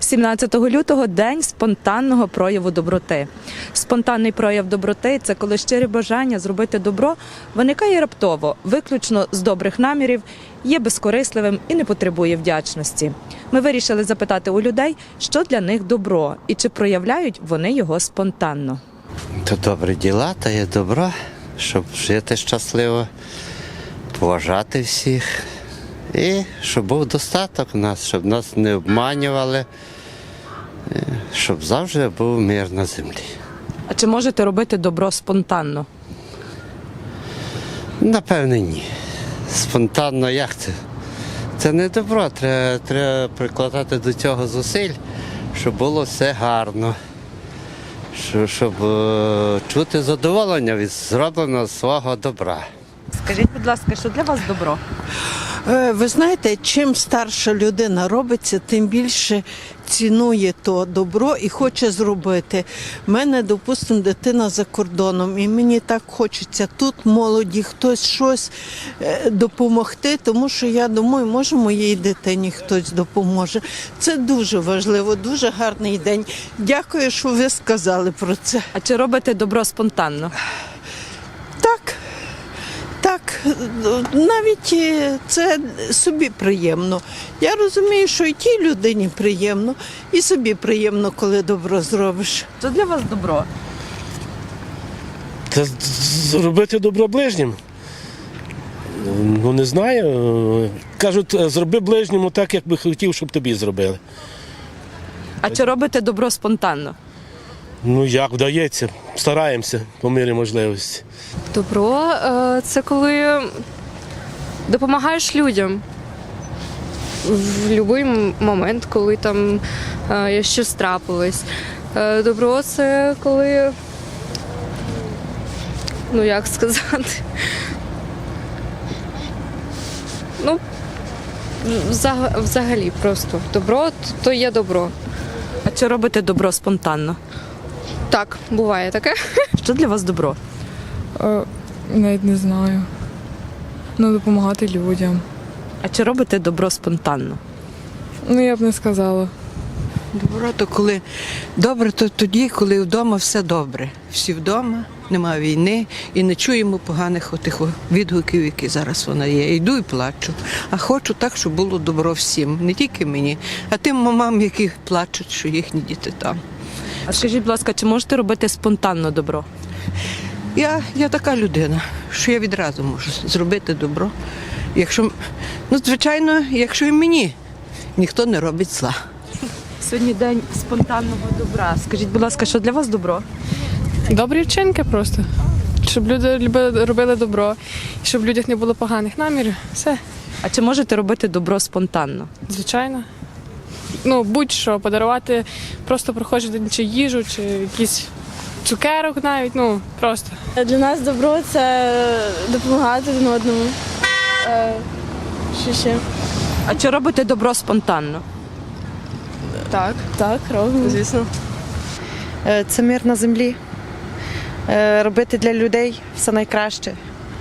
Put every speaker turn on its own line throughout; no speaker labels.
17 лютого – День спонтанного прояву доброти. Спонтанний прояв доброти – це коли щире бажання зробити добро виникає раптово, виключно з добрих намірів, є безкорисливим і не потребує вдячності. Ми вирішили запитати у людей, що для них добро і чи проявляють вони його спонтанно.
То добрі діла, то є добро, щоб жити щасливо, поважати всіх і щоб був достаток у нас, щоб нас не обманювали, щоб завжди був мир на землі.
А чи можете робити добро спонтанно?
Напевне, ні. Спонтанно як це? Це не добро, треба прикладати до цього зусиль, щоб було все гарно. Щоб чути задоволення від зробленого свого добра.
Скажіть, будь ласка, що для вас добро?
Ви знаєте, чим старша людина робиться, тим більше цінує то добро і хоче зробити. У мене, допустимо, дитина за кордоном, і мені так хочеться тут молоді, хтось щось допомогти, тому що я думаю, може моїй дитині хтось допоможе. Це дуже важливо, дуже гарний день. Дякую, що ви сказали про це.
А чи робите добро спонтанно?
Так, навіть це собі приємно. Я розумію, що і тій людині приємно, і собі приємно, коли добро зробиш.
Що для вас добро?
Це зробити добро ближнім. Ну, не знаю. Кажуть, зроби ближньому так, як би хотів, щоб тобі зробили.
А чи робите добро спонтанно?
Ну, як вдається, стараємося по мірі можливості.
Добро це коли допомагаєш людям в будь-який момент, коли там щось трапилось. Добро це коли, ну як сказати, ну взагалі просто добро то є добро.
А чи робите добро спонтанно?
Так, буває таке.
Що для вас добро?
Навіть не знаю. Ну, допомагати людям.
А чи робите добро спонтанно?
Ну, я б не сказала.
Добро то коли добре, то тоді, коли вдома все добре. Всі вдома, немає війни і не чуємо поганих отих відгуків, які зараз вона є. Йду і плачу. А хочу так, щоб було добро всім, не тільки мені, а тим мамам, які плачуть, що їхні діти там.
А скажіть, будь ласка, чи можете робити спонтанно добро?
Я така людина, що я відразу можу зробити добро. Якщо, ну, звичайно, якщо і мені ніхто не робить зла.
Сьогодні день спонтанного добра. Скажіть, будь ласка, що для вас добро?
Добрі вчинки просто. Щоб люди робили добро, і щоб в людях не було поганих намірів. Все,
А чи можете робити добро спонтанно?
звичайно. Ну, будь-що, подарувати просто прохожим чи їжу, чи якісь цукерок навіть, ну, просто.
Для нас добро – це допомагати один одному. Що ще?
А чи робите добро спонтанно?
Так, робимо.
Звісно. Це мир на землі. Робити для людей все найкраще.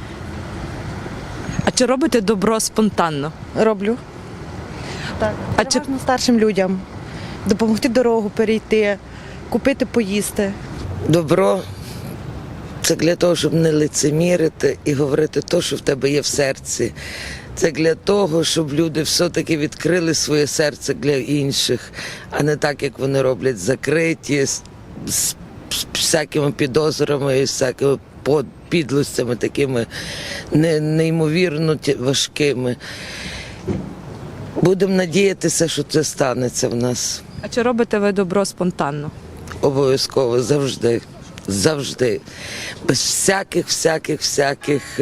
А чи робите добро спонтанно?
Роблю. Так.
А чи
Старшим людям допомогти дорогу перейти, купити поїсти.
Добро це для того, щоб не лицемірити і говорити те, що в тебе є в серці. Це для того, щоб люди все-таки відкрили своє серце для інших, а не так, як вони роблять, закриті, з всякими підозрами і всякими підлостями такими неймовірно важкими. Будемо надіятися, що це станеться в нас.
А чи робите ви добро спонтанно?
Обов'язково, завжди. Завжди. Без всяких,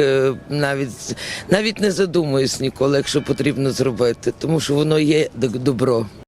навіть не задумуюсь ніколи, якщо потрібно зробити, тому що воно є добро.